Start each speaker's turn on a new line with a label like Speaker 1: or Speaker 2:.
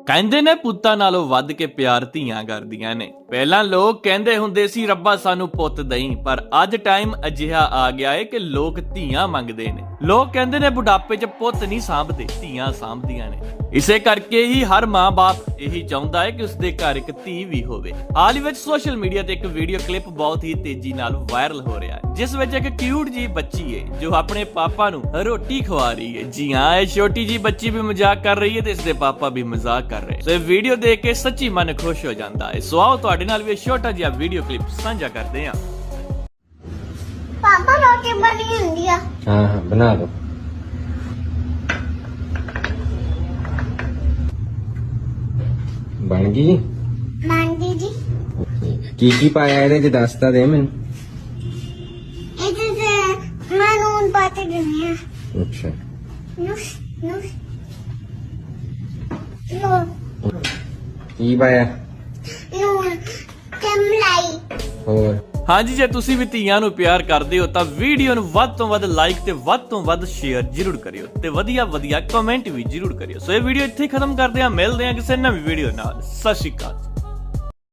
Speaker 1: ਕਹਿੰਦੇ ਨੇ ਪੁੱਤਾਂ ਨਾਲੋਂ ਵੱਧ ਕੇ ਪਿਆਰ ਧੀਆਂ ਕਰਦੀਆਂ ਨੇ। ਪਹਿਲਾਂ ਲੋਕ ਕਹਿੰਦੇ ਹੁੰਦੇ ਸੀ ਰੱਬਾ ਸਾਨੂੰ ਪੁੱਤ ਦਈ, ਪਰ ਅੱਜ ਟਾਈਮ ਅਜਿਹਾ ਆ ਗਿਆ ਏ ਕਿ ਲੋਕ ਧੀਆਂ ਮੰਗਦੇ ਨੇ। ਲੋਕ ਕਹਿੰਦੇ ਨੇ ਬੁਢਾਪੇ 'ਚ ਪੁੱਤ ਨਹੀਂ ਸਾਂਭਦੇ, ਧੀਆਂ ਸਾਂਭਦੀਆਂ ਨੇ। ਇਸੇ ਕਰਕੇ ਹੀ ਹਰ ਮਾਂ-ਬਾਪ ਇਹੀ ਚਾਹੁੰਦਾ ਹੈ ਕਿ ਉਸਦੇ ਘਰ ਇੱਕ ਧੀ ਵੀ ਹੋਵੇ। ਹਾਲ ਹੀ ਵਿੱਚ ਸੋਸ਼ਲ ਮੀਡੀਆ ਤੇ ਇੱਕ ਵੀਡੀਓ ਕਲਿੱਪ ਬਹੁਤ ਹੀ ਤੇਜ਼ੀ ਨਾਲ ਵਾਇਰਲ ਹੋ ਰਿਹਾ ਹੈ, ਜਿਸ ਵਿੱਚ ਇੱਕ ਕਿਊਟ ਜੀ ਬੱਚੀ ਹੈ ਜੋ ਆਪਣੇ ਪਾਪਾ ਨੂੰ ਰੋਟੀ ਖਵਾ ਰਹੀ ਹੈ। ਜੀ ਹਾਂ, ਇਹ ਛੋਟੀ ਜੀ ਬੱਚੀ ਵੀ ਮਜ਼ਾਕ ਕਰ ਰਹੀ ਹੈ ਤੇ ਇਸਦੇ ਪਾਪਾ ਵੀ ਮਜ਼ਾਕ ਕਰ ਰਹੇ। ਸੋ ਇਹ ਵੀਡੀਓ ਦੇਖ ਕੇ ਸੱਚੀ ਮਨ ਖੁਸ਼ ਹੋ ਜਾਂਦਾ ਹੈ। ਸੋ ਆਓ ਤੁਹਾਡੇ ਨਾਲ ਵੀ ਇਹ ਛੋਟਾ ਜਿਹਾ ਵੀਡੀਓ ਕਲਿੱਪ ਸਾਂਝਾ ਕਰਦੇ ਹਾਂ।
Speaker 2: ਪਾਪਾ ਰੋਟੀ ਬਣੀ ਹੁੰਦੀ ਆ।
Speaker 3: हाँ बना दो। बन गई
Speaker 2: ਮੰਡੀ ਜੀ
Speaker 3: की पाया ਇਹਦੇ ਚ ਦੱਸ ਤਾਂ ਦੇ ਮੈਨੂੰ।
Speaker 2: ਇਹਦੇ ਤੇ ਮੈਂ ਨੂਨ ਪਾ ਕੇ ਦਿੰਦੀ ਆ।
Speaker 3: ਅੱਛਾ
Speaker 2: ਨੂਸ ਨੂਸ ਨੂਨ
Speaker 3: ਕੀ ਪਾਇਆ
Speaker 2: ਨੂਨ ਕਮਲਾਈ।
Speaker 3: ਹੋਰ
Speaker 1: ਹਾਂਜੀ, ਜੇ ਤੁਸੀਂ ਵੀ ਧੀਆਂ ਨੂੰ ਪਿਆਰ ਕਰਦੇ ਹੋ ਤਾਂ ਵੀਡੀਓ ਨੂੰ ਵੱਧ ਤੋਂ ਵੱਧ ਲਾਈਕ ਤੇ ਵੱਧ ਤੋਂ ਵੱਧ ਸ਼ੇਅਰ ਜ਼ਰੂਰ ਕਰਿਓ ਤੇ ਵਧੀਆ ਕਮੈਂਟ ਵੀ ਜ਼ਰੂਰ ਕਰਿਓ। ਸੋ ਇਹ ਵੀਡੀਓ ਇੱਥੇ ਹੀ ਖਤਮ ਕਰਦੇ ਹਾਂ, ਮਿਲਦੇ ਹਾਂ ਕਿਸੇ ਨਵੀਂ ਵੀਡੀਓ ਨਾਲ। ਸਤਿ ਸ਼੍ਰੀ ਅਕਾਲ।